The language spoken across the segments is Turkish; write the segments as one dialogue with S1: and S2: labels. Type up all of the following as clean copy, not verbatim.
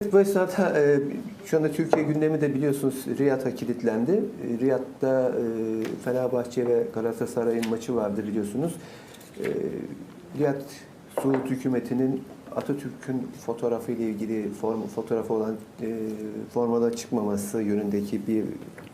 S1: Bu esnada şu anda Türkiye gündemi de biliyorsunuz Riyad'a kilitlendi. Riyad'da Fenerbahçe ve Galatasaray'ın maçı vardı biliyorsunuz. Riyad Suud hükümetinin Atatürk'ün fotoğrafı ile ilgili fotoğrafı olan formada çıkmaması yönündeki bir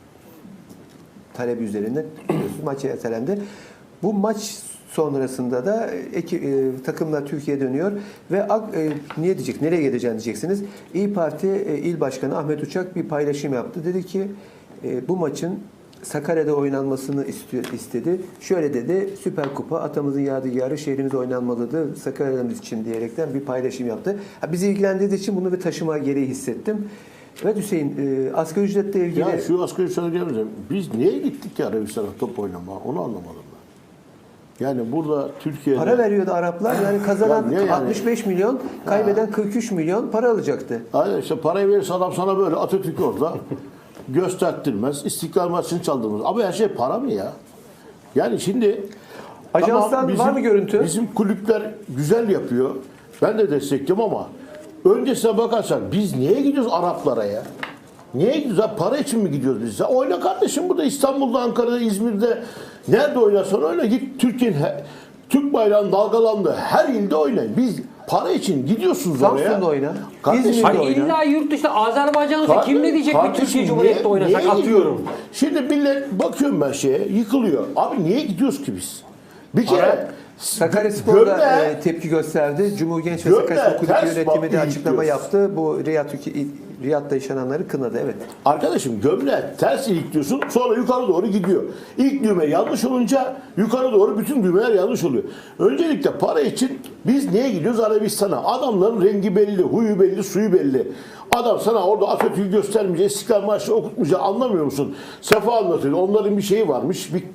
S1: talep üzerinde maç ertelendi. Bu maç sonrasında da takımlar Türkiye'ye dönüyor ve niye diyecek, nereye gideceğini diyeceksiniz. İYİ Parti İl Başkanı Ahmet Uçak bir paylaşım yaptı. Dedi ki bu maçın Sakarya'da oynanmasını istedi. Şöyle dedi, Süper Kupa atamızın yadigarı şehrimizde oynanmalıdır Sakarya'mız için diyerekten bir paylaşım yaptı. Bizi ilgilendirdiği için bunu bir taşıma gereği hissettim. Evet Hüseyin, asgari ücretle ilgili...
S2: Ya şu asgari ücretle biz niye gittik ya Arabistan'a top oynama? Onu anlamadım ben. Yani burada Türkiye'de...
S1: Para veriyordu Araplar. Yani kazanan
S2: yani?
S1: 65 milyon, kaybeden 43 milyon para alacaktı.
S2: Aynen işte parayı verirse adam sana böyle Atatürk orada gösterttirmez. İstiklal Marşı'nı çaldırmaz. Ama her şey para mı ya? Yani şimdi...
S1: Ajanstan var mı görüntü?
S2: Bizim kulüpler güzel yapıyor. Ben de destekliyorum ama öncesine bakarsan biz niye gidiyoruz Araplara ya? Niye gidiyoruz? Para için mi gidiyoruz biz? Oyna kardeşim burada İstanbul'da, Ankara'da, İzmir'de nerede oynarsan oyna. Git Türkiye'nin Türk bayrağının dalgalandığı her ilde oynayın. Biz para için gidiyorsunuz oraya.
S1: Samsun'da oyna.
S2: Kardeşim,
S1: İzmir'de
S3: hani illa yurt dışında Azerbaycan'da kim ne diyecek bir Türkiye Cumhuriyeti'nde oynasak atıyorum.
S2: Şimdi millet bakıyorum ben yıkılıyor. Abi niye gidiyoruz ki biz? Bir kere
S1: Sakaryaspor'da tepki gösterdi. Cumhuriyet Genç ve Sakaryaspor Kulübü yönetimi de açıklama yaptı. Bu Riyad'da yaşananları kınadı. Evet.
S2: Arkadaşım gömleği ters ilikliyorsun, sonra yukarı doğru gidiyor. İlk düğme yanlış olunca yukarı doğru bütün düğmeler yanlış oluyor. Öncelikle para için biz niye gidiyoruz Arabistan'a? Adamların rengi belli, huyu belli, suyu belli. Adam sana orada Atatürk'ü göstermeyecek, İstiklal Marşı okutmayacak, anlamıyor musun? Sefa anlatıyor. Onların bir şeyi varmış, bir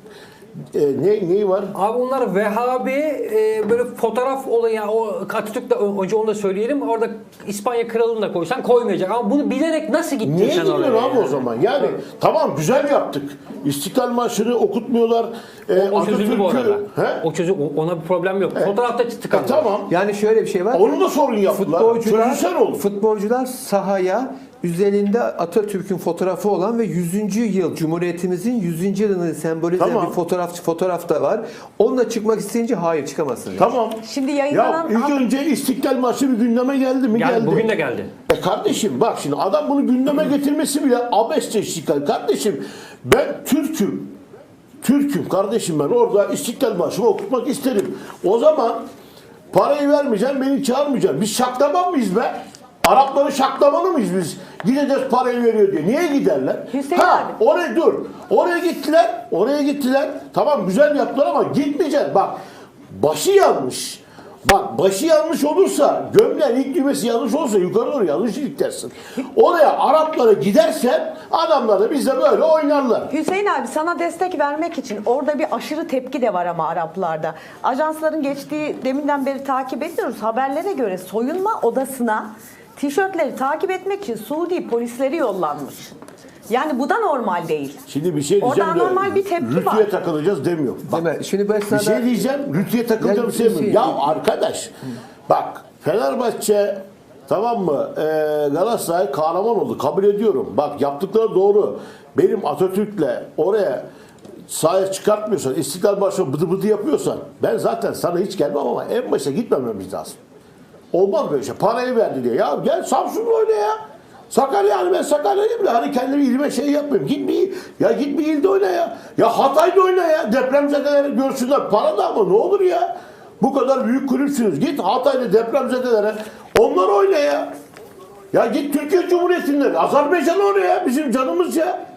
S2: neyi var?
S3: Abi onlar Vehhabi böyle fotoğraf olayı yani o Atatürk'le önce onu da söyleyelim. Orada İspanya kralını da koysan koymayacak. Ama bunu bilerek nasıl gittin
S2: niye
S3: sen oraya?
S2: Niye gidiyorsun abi o zaman? Yani tamam güzel yaptık. İstiklal Marşı'nı okutmuyorlar.
S3: O çözüldü bu arada.
S2: He?
S3: O çözüm ona bir problem yok. Fotoğrafta tıkandı.
S2: Tamam.
S1: Yani şöyle bir şey var.
S2: Onu da sorun yaptılar. Çözülsen olur.
S1: Futbolcular sahaya üzerinde Atatürk'ün fotoğrafı olan ve 100. yıl Cumhuriyetimizin 100. yılını sembolize eden bir fotoğraf da var. Onunla çıkmak isteyince hayır çıkamazsınız.
S2: Tamam.
S4: Şimdi yayınlanan...
S2: Ya ilk önce İstiklal Marşı bir gündeme geldi mi? Geldi.
S3: Bugün de geldi.
S2: Kardeşim bak şimdi adam bunu gündeme getirmesi bile abesçe istiklal. Kardeşim ben Türk'üm. Türk'üm kardeşim ben orada İstiklal Marşı'nı okutmak isterim. O zaman parayı vermeyeceğim, beni çağırmayacaksın. Biz şaklaman mıyız be? Arapları şaklamalı mıyız biz? Gideceğiz parayı veriyor diye. Niye giderler?
S4: Hüseyin abi.
S2: Oraya dur. Oraya gittiler. Oraya gittiler. Tamam güzel yaptılar ama gitmeyeceksin. Bak başı yanlış. Bak başı yanlış olursa, gömleğin ilk düğmesi yanlış olursa yukarı doğru yanlış iliklersin. Oraya Araplara gidersen adamlar da bizde böyle oynarlar.
S4: Hüseyin abi sana destek vermek için orada bir aşırı tepki de var ama Araplarda. Ajansların geçtiği deminden beri takip ediyoruz. Haberlere göre soyunma odasına tişörtleri takip etmek için Suudi polisleri yollanmış. Yani bu da normal değil.
S2: Şimdi bir şey diyeceğim
S4: Orada normal bir tepki var.
S2: rütüye takılacağız demiyor. Bak,
S1: Değil mi? Şimdi bu
S2: bir
S1: esnada
S2: şey diyeceğim, rütüye takılacağım sevmiyorum. Ya arkadaş, bak Fenerbahçe tamam mı? Galatasaray kahraman oldu. Kabul ediyorum. Bak yaptıkları doğru. Benim Atatürk'le oraya sahaya çıkartmıyorsan, İstiklal Marşı'na bıdı bıdı yapıyorsan ben zaten sana hiç gelmem ama en başta gitmememiz lazım. Olmaz böyle şey. Parayı verdi diye. Ya gel Samsun'da oyna ya. Sakarya yani ben Sakarya'yım bile hani kendimi ilime şey yapmıyorum. Git bir ilde oyna ya. Ya Hatay'da oyna ya. Depremzedeleri görsünler. Para da ama ne olur ya. Bu kadar büyük kulüpsünüz. Git Hatay'da depremzedelere. Onlar oyna ya. Ya git Türkiye Cumhuriyeti'nde. Azerbaycan'a oyna ya. Bizim canımız ya.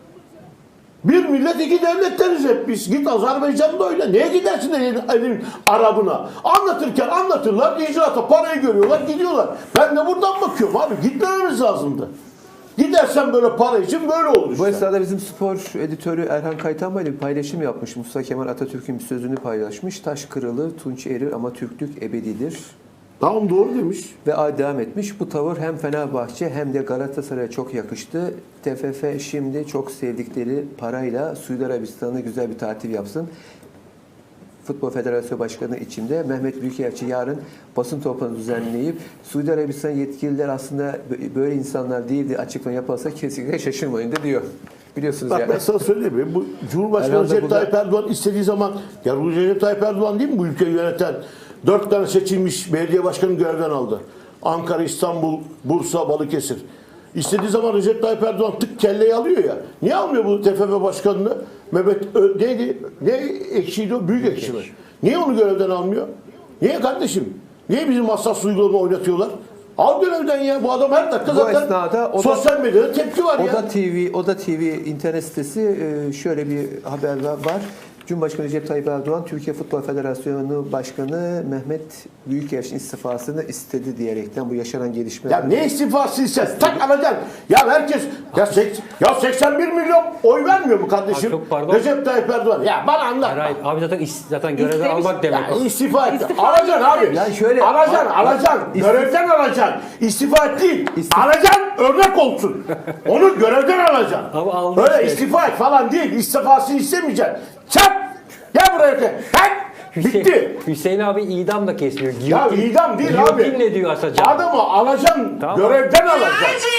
S2: Bir millet iki devletleriz hep biz. Git Azerbaycan'da oyna. Neye gidersin elin Arabına? Anlatırken anlatırlar. İcraata parayı görüyorlar. Gidiyorlar. Ben de buradan bakıyorum abi. Gitmememiz lazımdı. Gidersen böyle para için böyle olur işte.
S1: bu esnada bizim spor editörü Erhan Kaytanbay ile bir paylaşım yapmış. Mustafa Kemal Atatürk'ün bir sözünü paylaşmış. Taş kırılır, tunç erir ama Türklük ebedidir.
S2: Tamam doğru demiş.
S1: Ve devam etmiş. Bu tavır hem Fenerbahçe hem de Galatasaray'a çok yakıştı. TFF şimdi çok sevdikleri parayla Suudi Arabistan'a güzel bir tatil yapsın. Futbol Federasyonu Başkanı içinde Mehmet Büyükelçi yarın basın toplantısı düzenleyip Suudi Arabistan yetkililer aslında böyle insanlar değildi açıklama yapılsa kesinlikle şaşırmayın da diyor. Biliyorsunuz
S2: Bak
S1: yani.
S2: ben sana söyleyeyim mi? Bu Cumhurbaşkanı
S1: Herhalde
S2: Recep
S1: burada-
S2: Tayyip Erdoğan istediği zaman ya Recep Tayyip Erdoğan değil mi bu ülkeyi yöneten 4 tane seçilmiş belediye başkanı görevden aldı. Ankara, İstanbul, Bursa, Balıkesir. İstediği zaman Recep Tayyip Erdoğan tık kelleyi alıyor ya. Niye almıyor bu TFF başkanını? Neydi? Ne ekşiydi o? Büyük ekşi mi? Niye onu görevden almıyor? Niye kardeşim? Niye bizim hassas uygulama oynatıyorlar? Al görevden ya. Bu adam her dakika
S1: Bu
S2: zaten
S1: esnada o da-
S2: sosyal medyada tepki var ya.
S1: Oda TV internet sitesi şöyle bir haber var. Cumhurbaşkanı Recep Tayyip Erdoğan Türkiye Futbol Federasyonu Başkanı Mehmet Büyükelçi'nin istifasını istedi diyerekten bu yaşanan gelişme.
S2: Ya ne istifası ise tak alacaksın. Ya herkes ya 81 milyon oy vermiyor mu kardeşim?
S3: Abi çok pardon.
S2: Recep Tayyip Erdoğan. Ya bana anlat.
S3: Hayır, abi zaten görevden
S4: İstemiş-
S3: almak demek.
S2: Ya istifa et.
S4: İstifa
S2: Alacaksın abi.
S1: Yani şöyle-
S2: alacaksın. Görevden alacaksın. İstifa et değil. Alacaksın, örnek olsun. Onu görevden alacaksın.
S3: Abi aldı
S2: Öyle
S3: işte.
S2: istifa et falan değil. İstifasını istemeyeceksin. Çap! Gel buraya. Tak! Bitti.
S3: Hüseyin abi idam da kesmiyor.
S2: Ya idam değil abi.
S3: Giyotinle diyor Asacan.
S2: Adamı alacaksın,
S3: Tamam.
S2: görevden alacaksın.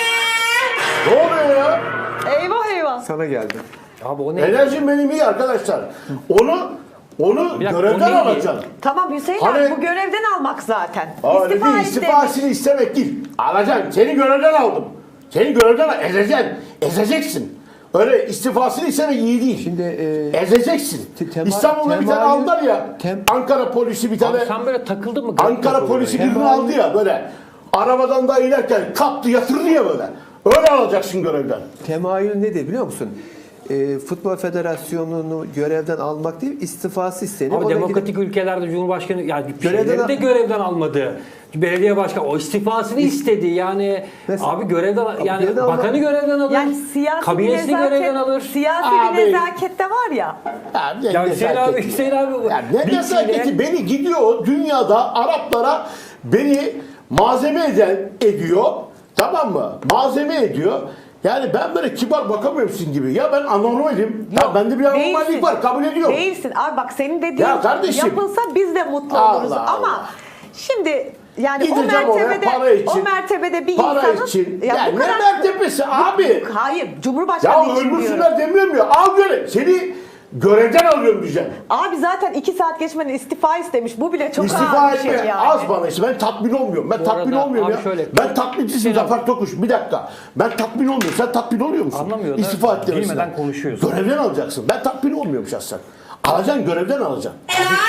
S2: Ne oluyor ya?
S4: Eyvah eyvah.
S1: sana geldi.
S3: Abi o ne?
S2: Enerjim benim iyi arkadaşlar. Onu
S3: Bir dakika,
S2: görevden
S3: o neydi?
S2: alacaksın.
S4: Tamam Hüseyin
S2: Hani-
S4: abi bu görevden almak zaten.
S2: Öyle değil,
S4: et demiş.
S2: istifasını istemek değil. Alacaksın. Seni görevden aldım. Seni görevden ezeceksin. Ezeceksin. Öyle istifasını istemek iyi değil.
S1: Şimdi
S2: ezeceksin. İstanbul'da bir tane
S1: temayül-
S2: aldılar ya.
S1: tem-
S2: Ankara polisi bir tane
S3: Abi sen böyle takıldın mı?
S2: Ankara polisi birini
S1: Temayül-
S2: aldı ya böyle. Arabadan da inerken kaptı yatırdı ya böyle. Öyle alacaksın görevden.
S1: Temayül nedir biliyor musun? Futbol Federasyonu'nu görevden almak değil, istifası istenir.
S3: Abi
S1: O da
S3: demokratik ülkelerde Cumhurbaşkanı yani
S1: Görevden
S3: şeyleri de görevden almadı. Belediye başkanı o istifasını istedi. Yani
S1: Mesela-
S3: abi görevden yani
S1: görevden alma-
S3: bakanı görevden alır.
S4: Yani siyasi bir
S3: kabinesini görevden alır.
S4: nezaket, siyasi
S2: Abi.
S4: bir nezaket de var ya.
S2: Ne
S3: Ya Hüseyin abi,
S2: nezaketi?
S3: Hüseyin abi.
S2: Ya ne
S3: bilgiyle-
S2: nezaketi? Beni gidiyor dünyada Araplara beni malzeme ediyor. Tamam mı? Malzeme ediyor. Yani ben böyle kibar bakamıyorum sizin gibi. Ya ben anormalim. Ya bende bir anormallik
S4: Değilsin.
S2: var. Kabul ediyorum.
S4: Değilsin. Abi bak senin dediğin
S2: Ya kardeşim.
S4: yapılsa biz de mutlu
S2: Allah
S4: oluruz.
S2: Allah.
S4: Ama şimdi yani
S2: Gideceğim oraya para için.
S4: o mertebede bir
S2: Para
S4: insanın
S2: için.
S4: ya
S2: Ya
S4: bu
S2: ne
S4: kadar-
S2: mertebesi abi?
S4: Hayır, Cumhurbaşkanı
S2: Ya
S4: için diyorum.
S2: öldürsünler demiyorum ya. Al göre. Seni görevden alıyorum diyeceğim.
S4: Abi zaten 2 saat geçmeden istifa istemiş. Bu bile çok
S2: İstifa
S4: ağır bir şey
S2: etme.
S4: yani.
S2: Az bana işte. Ben tatmin olmuyorum. Ben
S3: Bu
S2: tatmin
S3: arada
S2: olmuyorum
S3: abi
S2: ya.
S3: şöyle-
S2: Ben tatmincisin
S3: Hüseyin
S2: Zafer Tokuş. Bir dakika. Ben tatmin olmuyorum. Sen tatmin oluyor musun?
S3: Anlamıyor da
S2: İstifa et demesinden.
S3: bilmeden konuşuyorsun.
S2: Görevden alacaksın. Ben tatmin olmuyorum şahsen. Alacaksın, görevden alacaksın.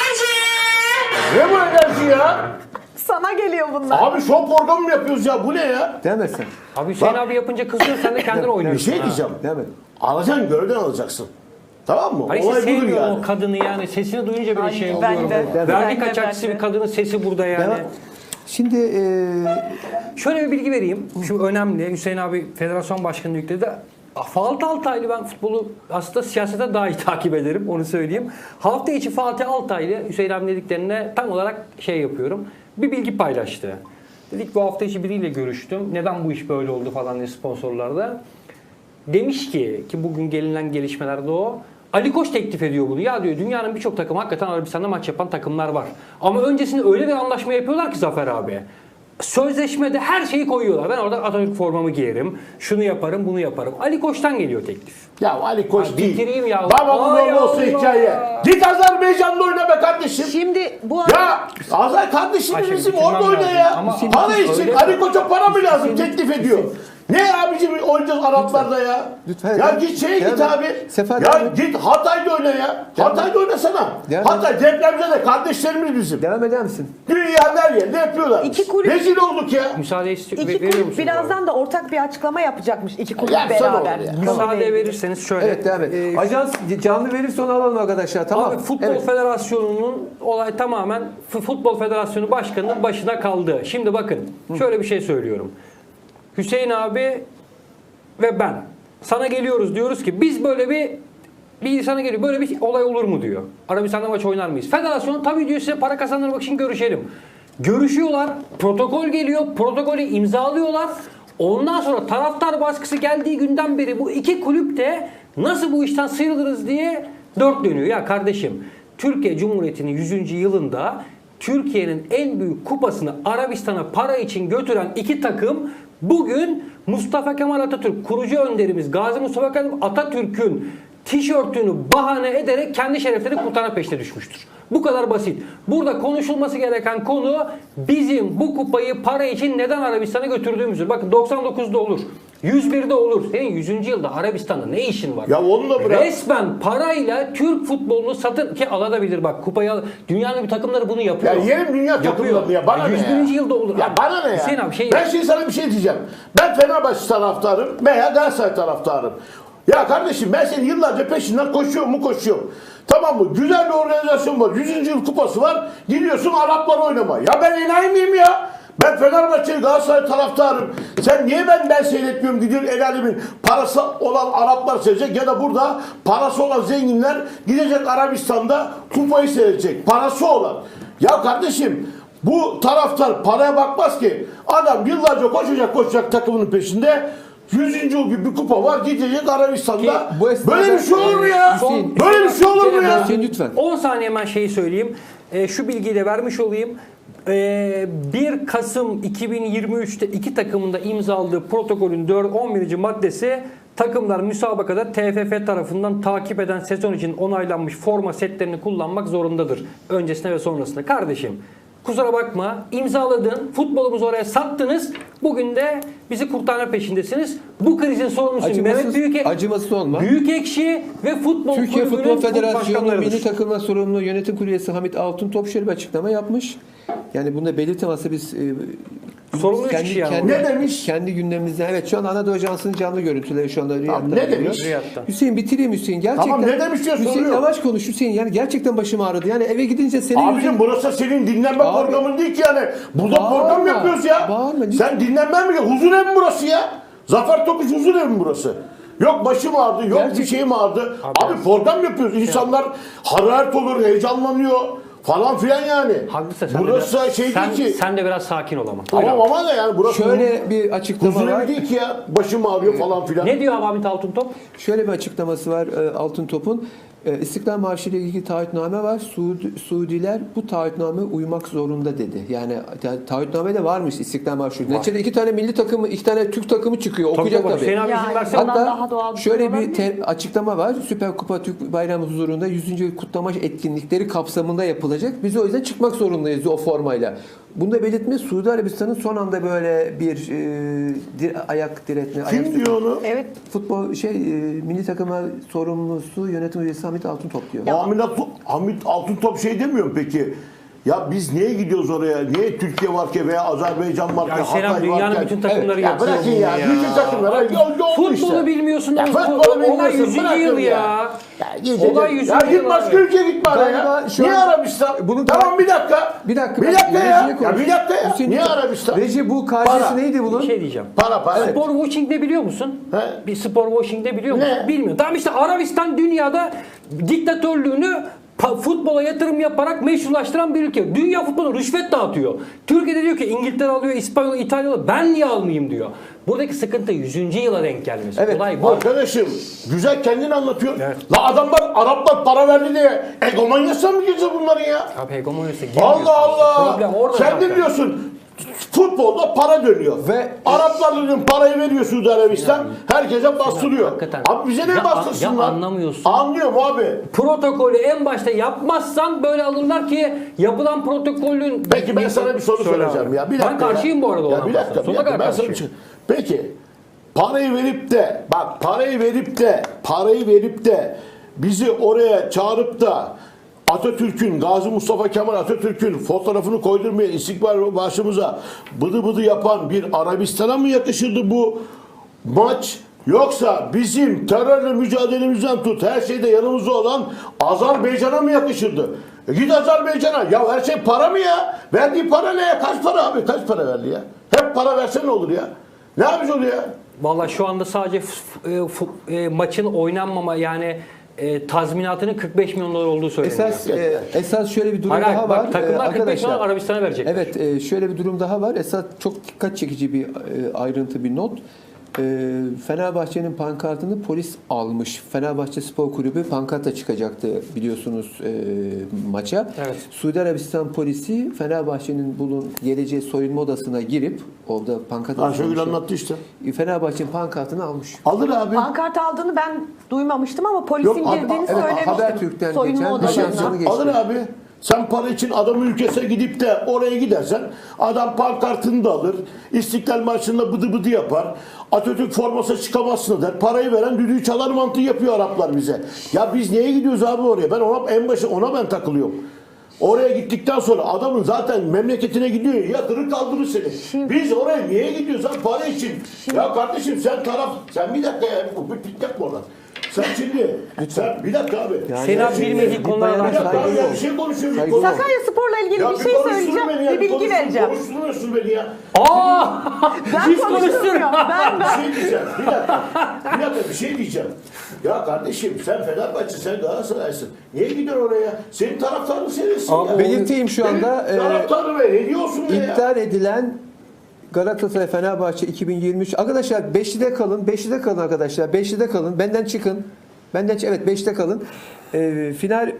S2: Ne bu enerji ya?
S4: Sana geliyor bunlar.
S2: Abi show programı mı yapıyoruz ya? Bu ne ya?
S1: Demesin.
S3: Abi Hüseyin
S2: Bak-
S3: abi yapınca kızıyorsun sen de kendin
S2: Bir
S3: oynuyorsun.
S2: şey
S3: ha.
S2: diyeceğim.
S1: Demet.
S2: Alacaksın, görevden alacaksın. Tamam mı?
S3: Hayır işte
S2: Olay budur
S3: sevmiyorum
S2: yani.
S3: o kadını yani. Sesini duyunca bile
S4: Ay,
S3: şey
S4: ben
S3: oluyorum.
S4: de.
S1: Ben
S3: Vergi
S4: de,
S3: kaçakçısı
S4: ben de.
S3: bir kadının sesi burada yani.
S1: Demet. Şimdi
S3: Şöyle bir bilgi vereyim. Şu önemli. Hüseyin abi federasyon başkanı yükledi. Fatih Altaylı ben futbolu aslında siyasete daha iyi takip ederim onu söyleyeyim. Hafta içi Fatih Altaylı Hüseyin abi dediklerine tam olarak şey yapıyorum. Bir bilgi paylaştı. Dedik bu hafta içi biriyle görüştüm. Neden bu iş böyle oldu falan diye sponsorlarda. Demiş ki bugün gelinen gelişmelerde o. Ali Koç teklif ediyor bunu. Ya diyor dünyanın birçok takımı hakikaten Arabistan'da maç yapan takımlar var. Ama öncesinde öyle bir anlaşma yapıyorlar ki Zafer abi. Sözleşmede her şeyi koyuyorlar. Ben orada Atatürk formamı giyerim. Şunu yaparım, bunu yaparım. Ali Koç'tan geliyor teklif.
S2: Ya Ali Koç
S3: Ay,
S2: değil.
S3: bitireyim ya.
S2: Babamın
S3: Ay
S2: oğlu olsa
S3: Allah.
S2: hikaye. Git Azerbaycan'da oyna be kardeşim.
S4: Şimdi bu arada
S2: Ya Azar kardeşim
S3: Ayşe,
S2: bizim
S3: bitirmem
S2: orada oyna
S3: lazım.
S2: ya.
S3: Ama-
S2: Para
S3: Öyle
S2: için
S3: mi?
S2: Ali Koç'a para mı lazım teklif ediyor. Ne abicim oynayacağız Araplarda ya.
S1: Lütfen.
S2: Ya git şeye git
S1: Devam
S2: abi.
S1: et. Sefer
S2: Ya
S1: devam et.
S2: git Hatay'da oyna ya. Hatay'da oynasana.
S1: Devam
S2: Hatay depremde de kardeşlerimiz bizim.
S1: devam eder misin?
S2: Dünya her yerde yapıyorlar.
S4: İki kulüp-
S2: Rezil olduk ya.
S3: Müsaade
S4: iki
S3: veriyor
S4: kulüp
S3: musunuz
S4: birazdan da ortak bir açıklama yapacakmış. İki kulüp
S2: Yapsana
S4: beraber.
S2: onu ya.
S3: abi? Müsaade verirseniz şöyle.
S1: Evet devam et. Ajans canlı verirse onu alalım arkadaşlar. Tamam.
S3: Abi Futbol
S1: Evet.
S3: Federasyonu'nun olay tamamen Futbol Federasyonu Başkanı'nın başına kaldı. Şimdi bakın şöyle bir şey söylüyorum. Hüseyin abi ve ben sana geliyoruz diyoruz ki biz böyle bir insana geliyor böyle bir olay olur mu diyor. Arabistan'da maç oynar mıyız? Federasyon tabii diyor size para kazandırmak için görüşelim. Görüşüyorlar. Protokol geliyor. Protokolü imzalıyorlar. Ondan sonra taraftar baskısı geldiği günden beri bu iki kulüp de nasıl bu işten sıyrılırız diye dört dönüyor. Ya kardeşim Türkiye Cumhuriyeti'nin 100. yılında Türkiye'nin en büyük kupasını Arabistan'a para için götüren iki takım bugün Mustafa Kemal Atatürk, kurucu önderimiz Gazi Mustafa Kemal Atatürk'ün tişörtünü bahane ederek kendi şereflerini kurtarma peşine düşmüştür. Bu kadar basit. Burada konuşulması gereken konu bizim bu kupayı para için neden Arabistan'a götürdüğümüzdür. Bakın 99'da olur. 101'de olur. Senin 100. yılda Arabistan'da ne işin var?
S2: Ya onu da bırak.
S3: Resmen parayla Türk futbolunu satın ki alabilir bak kupayı al. Dünyanın bir takımları bunu yapıyor.
S2: Ya yerim dünya takımlarını ya. Bana ne
S3: 101.
S2: ya?
S3: yılda olur.
S2: Ya bana ne ya?
S3: Hüseyin abi
S2: Ben şimdi sana bir şey diyeceğim. Ben Fenerbahçe taraftarım veya Galatasaray taraftarım. Ya kardeşim ben senin yıllarca peşinden koşuyorum. Tamam mı? Güzel bir organizasyon var. 100. yıl kupası var. Gidiyorsun Araplar oynama. Ya ben enayi miyim ya? Ben Fenerbahçe Galatasaray taraftarım. Sen niye ben seyretmiyorum? Gidiyor el alemin parası olan Araplar seyredecek ya da burada parası olan zenginler gidecek Arabistan'da kupayı seyredecek. Parası olan. Ya kardeşim bu taraftar paraya bakmaz ki. Adam yıllarca koşacak takımının peşinde. 100. yıl gibi bir kupa var gidecek Arabistan'da.
S1: Ki bu esnada-
S2: Böyle bir şey olur mu ya?
S1: Hüseyin-
S2: Böyle bir şey olur mu ya?
S1: Hüseyin lütfen.
S3: 10 saniye hemen şeyi söyleyeyim. Şu bilgiyi de vermiş olayım. 1 Kasım 2023'te iki takımın da imzaladığı protokolün 11. maddesi takımlar müsabakada TFF tarafından takip eden sezon için onaylanmış forma setlerini kullanmak zorundadır. Öncesinde ve sonrasında. Kardeşim kusura bakma imzaladın, futbolumuzu oraya sattınız. Bugün de bizi kurtarma peşindesiniz. Bu krizin sorumlusu Mehmet
S1: Acımasız olma.
S3: Büyükekşi ve Futbol
S1: Türkiye
S3: Kulübü'nün
S1: Futbol Federasyonu
S3: başkanlarıdır.
S1: milli takımla sorumlu yönetim kurulu üyesi Hamit Altıntop şöyle bir açıklama yapmış. Yani bunu da belirtemezse biz
S3: Sorumlu üç kişi yani.
S2: Ne demiş?
S1: Kendi gündemimizden. Evet şu an Anadolu Ajansı'nın canlı görüntüleri şu anda Riyad'dan
S2: ne
S1: geliyor.
S2: demiş?
S3: Riyad'dan.
S1: Hüseyin bitireyim Hüseyin. Gerçekten.
S2: Tamam, ne demiş diye
S1: Hüseyin
S2: soruyor.
S1: yavaş konuş Hüseyin. Yani gerçekten başım ağrıdı. Yani eve gidince senin
S2: Abicim burası senin dinlenme
S1: Abi.
S2: programın değil ki yani. Burada
S1: Bağırma,
S2: program yapıyoruz ya.
S1: bağırma.
S2: Sen dinlenmen mi? Huzur evi mi burası ya? Zafer Tokuş huzur evi mi burası? Yok başım ağrıdı, yok bir şeyim ağrıdı. Abi program yapıyoruz. İnsanlar hararet olur, heyecanlanıyor falan filan yani.
S3: Haklısın.
S2: Burası şey değil ki.
S3: Sen de biraz sakin ol ama.
S2: Tamam ama da yani burası
S1: şöyle bir açıklama
S2: huzur
S1: var.
S2: evi değil ki ya. Başım ağrıyor falan filan.
S3: Ne diyor Hamit Altıntop?
S1: Şöyle bir açıklaması var Altıntop'un. İstiklal Marşı ile ilgili taahhütname var. Suudiler bu taahhütname uymak zorunda dedi. Yani taahhütname de varmış İstiklal Marşı. Neticede iki tane milli takımı, iki tane Türk takımı çıkıyor. Okuyacak tabii.
S3: Hüseyin abi izin
S4: Yani
S3: verse
S4: ondan daha doğal
S1: Hatta
S4: bir şey
S1: şöyle bir
S4: olabilir.
S1: açıklama var. Süper Kupa Türk Bayramı huzurunda 100. yıl kutlama etkinlikleri kapsamında yapılacak. Biz o yüzden çıkmak zorundayız o formayla. Bunu da belirtme Suudi Arabistan'ın son anda böyle bir ayak diretme.
S2: Kim diyor onu?
S4: Evet.
S1: Futbol milli takıma sorumlusu yönetim üyesi Hamit Altıntop diyor.
S2: Hamit Altıntop şey demiyor mu peki? Ya biz niye gidiyoruz oraya? Niye Türkiye varken veya Azerbaycan varken,
S3: Ya Hüseyin abi
S2: Hatay
S3: dünyanın
S2: varken?
S3: bütün takımları
S2: Ya
S3: yapıyor
S2: bırakın
S3: bunu
S2: ya. Bütün takımlara yol
S3: Futbolu
S2: işte.
S3: bilmiyorsun.
S2: Ya
S3: oğlum.
S2: futbolu
S3: Olay
S2: bilmiyorsun.
S3: 100.
S2: Bırakın
S3: yıl ya.
S2: Ya gidecek.
S3: Olay 100.
S2: Ya
S3: yıl
S2: git başka
S3: abi.
S2: ülkeye git bana ya.
S1: Galiba şu
S2: Niye
S1: an-
S2: Arabistan?
S1: Bunu
S2: Tamam bir dakika.
S1: Bir dakika.
S2: Bir dakika ya.
S1: Rejiye konuş.
S2: Ya bir dakika ya.
S1: Hüseyin
S2: Niye
S1: lütfen.
S2: Arabistan?
S1: Reji bu
S2: Para.
S1: karşısı neydi bunun?
S3: Bir şey diyeceğim.
S2: Para.
S3: Spor washing ne biliyor musun?
S2: He?
S3: Bir spor washing ne biliyor musun?
S2: Ne?
S3: Bilmiyorum. Tamam işte Arabistan dünyada diktatörlüğünü futbola yatırım yaparak meşrulaştıran bir ülke. Dünya futbolu rüşvet dağıtıyor. Türkiye'de diyor ki İngiltere alıyor, İspanya, İtalya alıyor. Ben niye almayayım diyor. Buradaki sıkıntı 100. yıla denk gelmesi.
S1: Evet.
S3: Olay bu.
S2: Arkadaşım güzel kendin anlatıyor.
S3: Evet.
S2: La adamlar Araplar para verdi diye egomanyasına mı gireceğiz bunların ya?
S3: Abi hegemonyası girmiyorsun
S2: Allah
S3: işte.
S2: Allah.
S3: Problem orada
S2: Sen
S3: zaten.
S2: de diyorsun futbolda para dönüyor.
S1: Ve-
S2: Araplar diyorum parayı veriyor Suudi Arabistan. Herkese bastırıyor.
S3: hakikaten.
S2: Abi bize ne
S3: Ya-
S2: bastırsınlar?
S3: ya anlamıyorsun.
S2: Anlıyorum abi.
S3: Protokolü en başta yapmazsan böyle alırlar ki yapılan protokolün...
S2: Peki ben sana bir soru
S3: Söyle
S2: soracağım
S3: abi.
S2: ya. Bir dakika
S3: Ben karşıyım bu arada
S2: ya.
S3: ona.
S2: Bir dakika.
S3: Sonuna kadar
S2: Ben sana bir
S3: karşıyım.
S2: şey- Peki parayı verip de bizi oraya çağırıp da Atatürk'ün, Gazi Mustafa Kemal Atatürk'ün fotoğrafını koydurmaya, İstiklal başımıza bıdı bıdı yapan bir Arabistan'a mı yakışırdı bu maç? Yoksa bizim terörle mücadelemizden tut, her şeyde yanımızda olan Azerbaycan'a mı yakışırdı? Git Azerbaycan'a. Ya her şey para mı ya? Verdiği para ne ya? Kaç para abi? Kaç para verdi ya? Hep para verse ne olur ya? Ne yapmış oluyor ya?
S3: Vallahi şu anda sadece maçın oynanmama yani tazminatının 45 milyon dolar olduğu söyleniyor.
S1: Esas şöyle bir durum
S3: Hayır,
S1: daha
S3: bak,
S1: var.
S3: takımlar 45 milyon
S1: Arkadaşlar.
S3: Arabistan'a verecek.
S1: Evet, şöyle bir durum daha var. Esas çok dikkat çekici bir ayrıntı, bir not. Fenerbahçe'nin pankartını polis almış. Fenerbahçe Spor Kulübü pankartla çıkacaktı biliyorsunuz maça.
S3: Evet.
S1: Suudi Arabistan polisi Fenerbahçe'nin geleceği soyunma odasına girip orada pankart
S2: Ayşegül anlattı işte.
S1: Fenerbahçe'nin pankartını almış.
S2: Alır abi.
S4: Pankart aldığını ben duymamıştım ama polisin
S2: Yok, abi,
S4: girdiğini
S2: evet,
S4: söylemiştim.
S1: Habertürk'ten
S4: Soyunma
S1: geçen
S4: odasına.
S1: nişansını geçti.
S2: Alır abi. Sen para için adam ülkesine gidip de oraya gidersen adam pankartını da alır. İstiklal Marşı'nda bıdı bıdı yapar. Atatürk forması çıkamazsın der. Parayı veren düdüğü çalar mantığı yapıyor Araplar bize. Ya biz niye gidiyoruz abi oraya? Ben ona ben takılıyorum. Oraya gittikten sonra adamın zaten memleketine gidiyor. Yatırır kaldırır seni. Biz oraya niye gidiyoruz abi? Para için. Ya kardeşim sen bir dakika ya. Bir yapma oradan. Sen şimdi. Sen bir dakika abi.
S3: Senin bilmediği konular
S2: Bir dakika abi ya,
S1: Saygılı
S2: bir şey konuşuyoruz.
S1: Saygılı ol.
S4: Sakarya Spor'la ilgili bir şey söyleyeceğim. Bir bilgi vereceğim.
S2: Konuşturmuyorsun beni ya.
S4: Ben konuşturmuyorum.
S2: Bir şey diyeceğim. Bir dakika bir şey diyeceğim. Ya kardeşim sen Fenerbahçe, sen Galatasaray'sın. Niye gidiyorsun oraya? Senin taraftarın seninsin ya.
S1: Belirteyim şu anda
S2: Taraftarı ver. Ne diyorsun ya?
S1: iptal edilen Galatasaray Fenerbahçe 2023 arkadaşlar 5'lide kalın. 5'lide kalın arkadaşlar. 5'lide kalın. Benden çıkın. Evet 5'te kalın. Final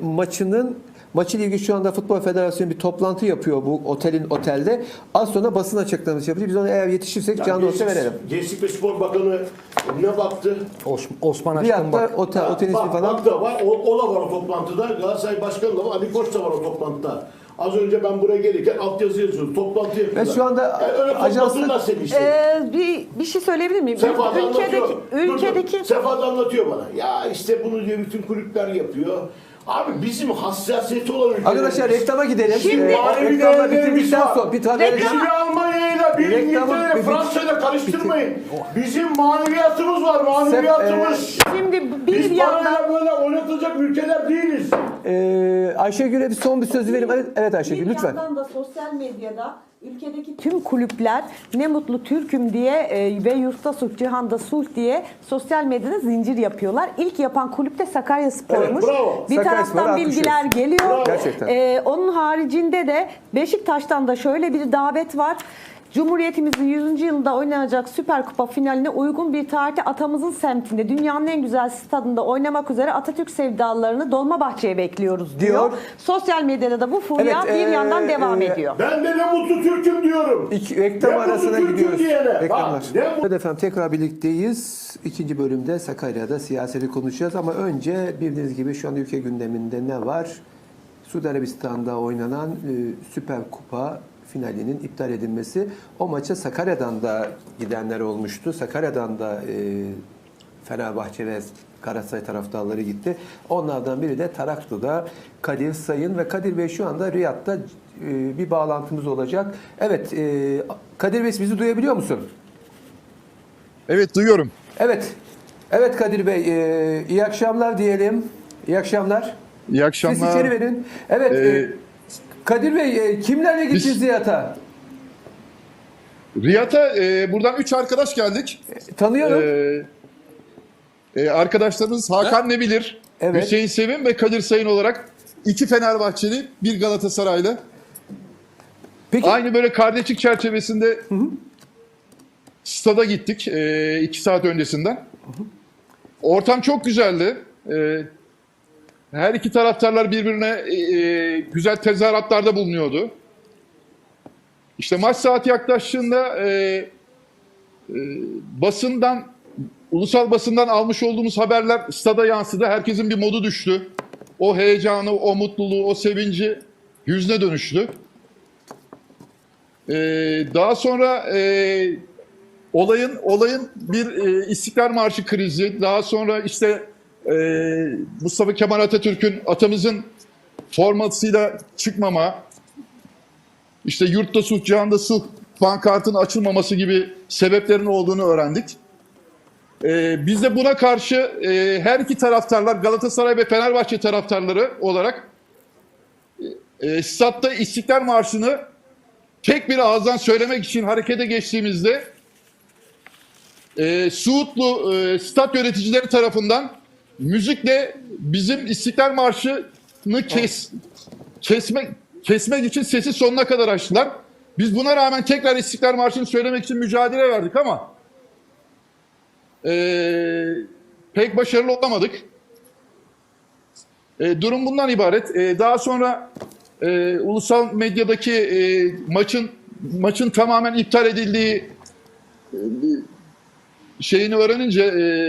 S1: maçıyla ilgili şu anda Futbol Federasyonu bir toplantı yapıyor bu otelde. Az sonra basın açıklaması yapacak. Biz onu eğer yetişirsek canlı olsa verelim.
S2: Gençlik ve Spor Bakanı ne baktı?
S3: Osman
S1: Bir
S3: Aşkın
S1: hafta
S3: bak.
S1: otel ismi falan.
S2: Bak da var. O da var o toplantıda. Galatasaray Başkanı da var. Ali Koç da var o toplantıda. Az önce ben buraya gelirken altyazı yazıyordum. Toplantı yapıyorlar.
S1: Ve şu anda
S2: öyle
S1: ajanslık-
S2: toplantılar seni işte.
S4: Bir şey söyleyebilir miyim?
S2: Sefa da anlatıyor.
S4: Ülkedeki
S2: Sefa da anlatıyor bana. Ya işte bunu diyor bütün kulüpler yapıyor. Abi bizim hassasiyeti olan ülkeler.
S1: Arkadaşlar reklama gidelim.
S4: Şimdi-
S2: Manevi
S1: Reklama
S2: değerlerimiz
S1: bitirdikten
S2: var.
S1: sonra bir tane
S2: Bizi Almanya'yla bir İngiltere'yle Fransa'yla karıştırmayın. Bizim maneviyatımız var, maneviyatımız.
S4: Şimdi
S2: Biz
S4: bir yandan
S2: parayla böyle oynatılacak ülkeler değiliz.
S1: Ayşegül'e bir son bir söz verelim. Evet Ayşegül
S4: bir
S1: lütfen.
S4: yandan da sosyal medyada ülkedeki tüm kulüpler ne mutlu Türk'üm diye ve yurtta sulh, cihanda sulh diye sosyal medyada zincir yapıyorlar. İlk yapan kulüp de Sakarya Spor'muş.
S2: Evet, bravo.
S4: Bir
S1: Sakaryaspor'a
S4: taraftan
S1: alkışlıyoruz.
S4: bilgiler geliyor.
S2: Bravo.
S1: Gerçekten.
S4: Onun haricinde de Beşiktaş'tan da şöyle bir davet var. Cumhuriyetimizin 100. yılında oynanacak Süper Kupa finaline uygun bir tarihte atamızın semtinde dünyanın en güzel stadında oynamak üzere Atatürk sevdalılarını Dolmabahçe'ye bekliyoruz diyor. Sosyal medyada da bu furya
S1: Evet,
S4: bir yandan devam ediyor.
S2: Ben de ne mutlu Türk'üm diyorum.
S1: Reklam
S2: Ne
S1: arasına
S2: mutlu Türk'üm
S1: gidiyoruz.
S2: diyene.
S1: Reklamlar.
S2: Bak, ne mutlu-
S1: Evet efendim tekrar birlikteyiz. İkinci bölümde Sakarya'da siyaseti konuşacağız ama önce bildiğiniz gibi şu anda ülke gündeminde ne var? Suudi Arabistan'da oynanan Süper Kupa finalinin iptal edilmesi. O maça Sakarya'dan da gidenler olmuştu. Sakarya'dan da Fenerbahçe ve Galatasaray taraftarları gitti. Onlardan biri de Taraklı'da Kadir Sayın ve Kadir Bey şu anda Riyad'da bir bağlantımız olacak. Evet, Kadir Bey bizi duyabiliyor musun?
S5: Evet duyuyorum.
S1: Evet. Evet Kadir Bey, iyi akşamlar diyelim. İyi akşamlar.
S5: İyi
S1: Siz
S5: akşamlar.
S1: içeri verin. Evet, Kadir Bey kimlerle gittiniz
S5: Biz-
S1: Riyad'a?
S5: Riyad'a buradan 3 arkadaş geldik.
S1: Tanıyorum.
S5: Arkadaşlarımız Hakan Nebilir,
S1: Evet.
S5: Hüseyin Sevim ve Kadir Sayın olarak 2 Fenerbahçeli, 1 Galatasaraylı.
S1: Peki
S5: Aynı böyle kardeşlik çerçevesinde stada gittik 2 saat öncesinden. Ortam çok güzeldi. Her iki taraftarlar birbirine güzel tezahüratlarda bulunuyordu. İşte maç saati yaklaştığında basından, ulusal basından almış olduğumuz haberler stada yansıdı. Herkesin bir modu düştü. O heyecanı, o mutluluğu, o sevinci hüzne dönüştü. Daha sonra olayın bir İstiklal Marşı krizi, daha sonra işte Mustafa Kemal Atatürk'ün, atamızın formasıyla çıkmama, işte yurtta sulh, cihanda sulh pankartın açılmaması gibi sebeplerin olduğunu öğrendik. Biz de buna karşı her iki taraftarlar, Galatasaray ve Fenerbahçe taraftarları olarak statta İstiklal Marşı'nı tek bir ağızdan söylemek için harekete geçtiğimizde Suudlu stat yöneticileri tarafından müzikle bizim İstiklal Marşı'nı kesmek için sesi sonuna kadar açtılar. Biz buna rağmen tekrar İstiklal Marşı'nı söylemek için mücadele verdik ama pek başarılı olamadık. Durum bundan ibaret. Daha sonra ulusal medyadaki maçın tamamen iptal edildiği şeyini öğrenince,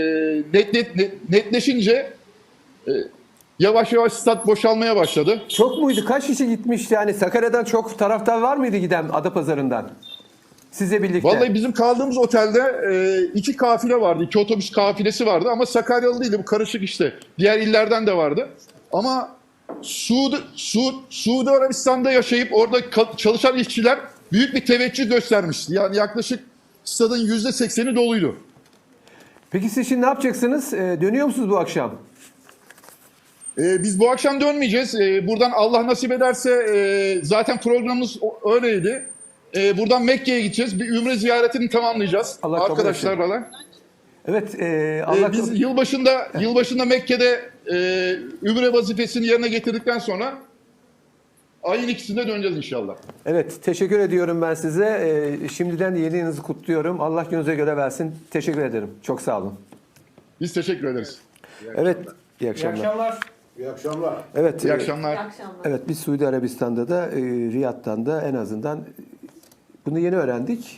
S5: netleşince yavaş yavaş stat boşalmaya başladı.
S1: Çok muydu? Kaç kişi gitmişti? Yani Sakarya'dan çok taraftar var mıydı giden Adapazarı'ndan? Sizle birlikte.
S5: Vallahi bizim kaldığımız otelde 2 kafile vardı. 2 otobüs kafilesi vardı ama Sakaryalı değildi. Bu karışık işte. Diğer illerden de vardı. Ama Suudi Arabistan'da yaşayıp orada çalışan işçiler büyük bir teveccüh göstermişti. Yani yaklaşık stadın %80'i doluydu.
S1: Peki siz şimdi ne yapacaksınız? Dönüyor musunuz bu akşam?
S5: Biz bu akşam dönmeyeceğiz. Buradan Allah nasip ederse zaten programımız öyleydi. Buradan Mekke'ye gideceğiz. Bir ümre ziyaretini tamamlayacağız
S1: Allah kabul
S5: arkadaşlarla.
S1: Evet.
S5: Biz yılbaşında Mekke'de ümre vazifesini yerine getirdikten sonra ayın 2'sinde döneceğiz inşallah.
S1: Evet. Teşekkür ediyorum ben size. Şimdiden yeni yılınızı kutluyorum. Allah gönlünüze göre versin. Teşekkür ederim. Çok sağ olun.
S5: Biz teşekkür ederiz.
S1: Evet. İyi
S3: İyi
S1: akşamlar.
S3: akşamlar.
S2: İyi akşamlar.
S1: Evet.
S5: İyi akşamlar.
S1: Evet, biz Suudi Arabistan'da da Riyad'dan da en azından bunu yeni öğrendik.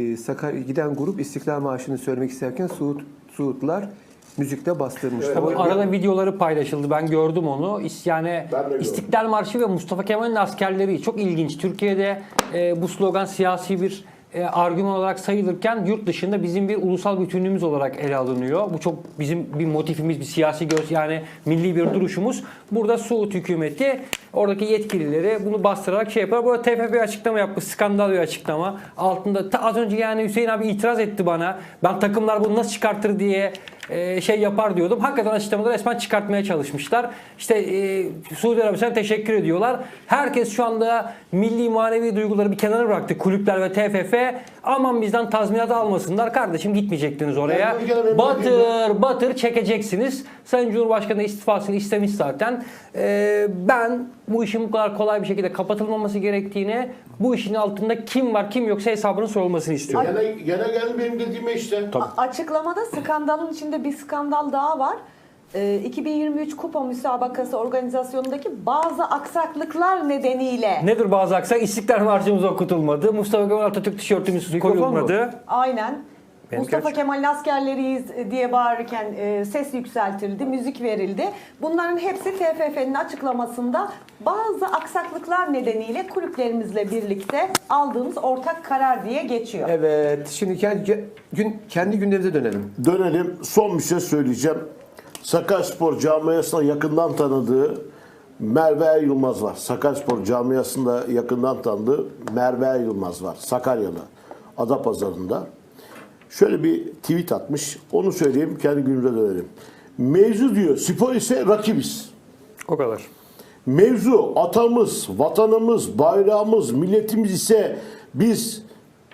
S1: Giden grup İstiklal Marşı'nı söylemek isterken Suudlar müzikte bastırmışlar.
S2: Evet.
S3: Arada videoları paylaşıldı. Ben gördüm onu. Yani
S2: Ben de gördüm.
S3: İstiklal Marşı ve Mustafa Kemal'in askerleri çok ilginç. Türkiye'de bu slogan siyasi bir argüman olarak sayılırken yurt dışında bizim bir ulusal bütünlüğümüz olarak ele alınıyor. Bu çok bizim bir motifimiz, bir siyasi yani milli bir duruşumuz. Burada Suud hükümeti oradaki yetkilileri bunu bastırarak şey yapar. Burada TFF bir açıklama yapmış, skandal bir açıklama. Altında az önce yani Hüseyin abi itiraz etti bana. Ben takımlar bunu nasıl çıkartır diye şey yapar diyordum. Hakikaten açıklamada resmen çıkartmaya çalışmışlar. İşte Suudi Arabistan'a teşekkür ediyorlar. Herkes şu anda milli manevi duyguları bir kenara bıraktı. Kulüpler ve TFF aman bizden tazminat almasınlar. Kardeşim gitmeyecektiniz oraya.
S2: Yani
S3: Batır çekeceksiniz. Sayın Cumhurbaşkanı istifasını istemiş zaten. Ben bu işin bu kadar kolay bir şekilde kapatılmaması gerektiğini, bu işin altında kim var kim yoksa hesabının sorulmasını istiyorum.
S2: Gene geldi benim dediğime işte.
S4: Açıklamada skandalın içinde bir skandal daha var. 2023 Kupa Müsabakası organizasyonundaki bazı aksaklıklar nedeniyle.
S3: Nedir bazı aksak? İstiklal Marşımız okutulmadı. Mustafa Kemal Atatürk tişörtümüz koyulmadı.
S4: Aynen.
S3: Benimki
S4: Mustafa
S3: açık.
S4: Kemal'in askerleriyiz diye bağırırken ses yükseltildi, müzik verildi. Bunların hepsi TFF'nin açıklamasında bazı aksaklıklar nedeniyle kulüplerimizle birlikte aldığımız ortak karar diye geçiyor.
S1: Evet. Şimdi kendi gündemimize dönelim.
S2: Dönelim. Son bir şey söyleyeceğim. Sakaryaspor camiasına yakından tanıdığı Merve Yılmaz var. Sakaryaspor camiasında yakından tanıdığı Merve Yılmaz var. Sakaryalı. Adapazarı'nda. Şöyle bir tweet atmış. Onu söyleyeyim, kendi günümüze dönelim. Mevzu diyor, spor ise rakibiz.
S3: O kadar.
S2: Mevzu atamız, vatanımız, bayrağımız, milletimiz ise biz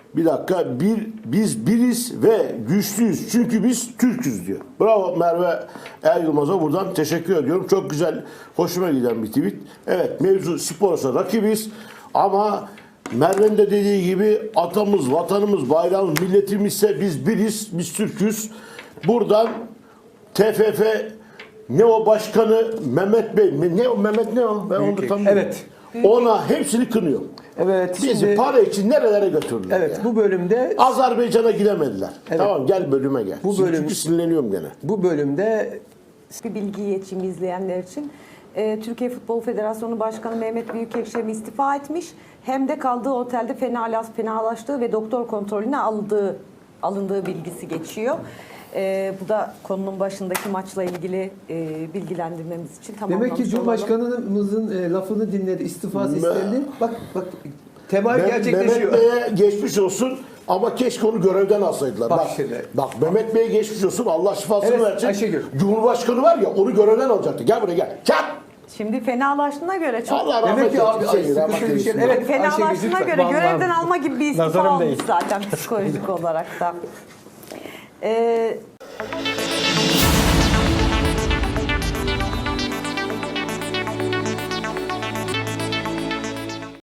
S2: biz biriz ve güçlüyüz. Çünkü biz Türk'üz diyor. Bravo Merve Yılmaz'a buradan teşekkür ediyorum. Çok güzel, hoşuma giden bir tweet. Evet, mevzu spor ise rakibiz ama Merve'nin de dediği gibi atamız, vatanımız, bayrağımız, milletimiz ise biz biriz, biz Türk'üz. Buradan TFF ne o başkanı Mehmet Bey, ne o Mehmet ne o? Ben onu da tam
S1: Evet.
S2: ona hepsini kınıyor.
S1: Evet.
S2: Bizi
S1: Şimdi,
S2: para için nerelere götürdüler
S1: evet,
S2: ya.
S1: bu bölümde
S2: Azerbaycan'a gidemediler.
S1: Evet.
S2: Tamam gel bölüme gel. Çünkü sinirleniyorum gene.
S1: bu bölümde
S4: Bir bilgi geçeyim izleyenler için. Türkiye Futbol Federasyonu Başkanı Mehmet Büyükekşi istifa etmiş. Hem de kaldığı otelde fenalaştığı ve doktor kontrolüne alındığı bilgisi geçiyor. Bu da konunun başındaki maçla ilgili bilgilendirmemiz için tamamlamış
S1: demek ki
S4: olalım.
S1: Cumhurbaşkanımızın lafını dinledi, istifası istendi. Bak temayül gerçekleşiyor.
S2: Mehmet Bey'e geçmiş olsun ama keşke onu görevden alsaydılar.
S1: Bak şimdi.
S2: Bak Mehmet Bey'e geçmiş olsun, Allah şifasını
S1: Evet,
S2: versin.
S1: Ayşegül.
S2: Cumhurbaşkanı var ya onu görevden alacaktı. Gel buraya gel. Çak!
S4: Şimdi fenalaştığına göre çok
S2: Allah rahmet
S1: Demek ki abi
S2: eylesin.
S1: sıkıntı bir şey. Evet, Ayşegül,
S4: fenalaştığına
S1: lütfen.
S4: göre
S3: Vallahi
S4: görevden alma gibi bir istifa
S3: nazarım
S4: olmuş
S3: değil.
S4: zaten psikolojik olarak da.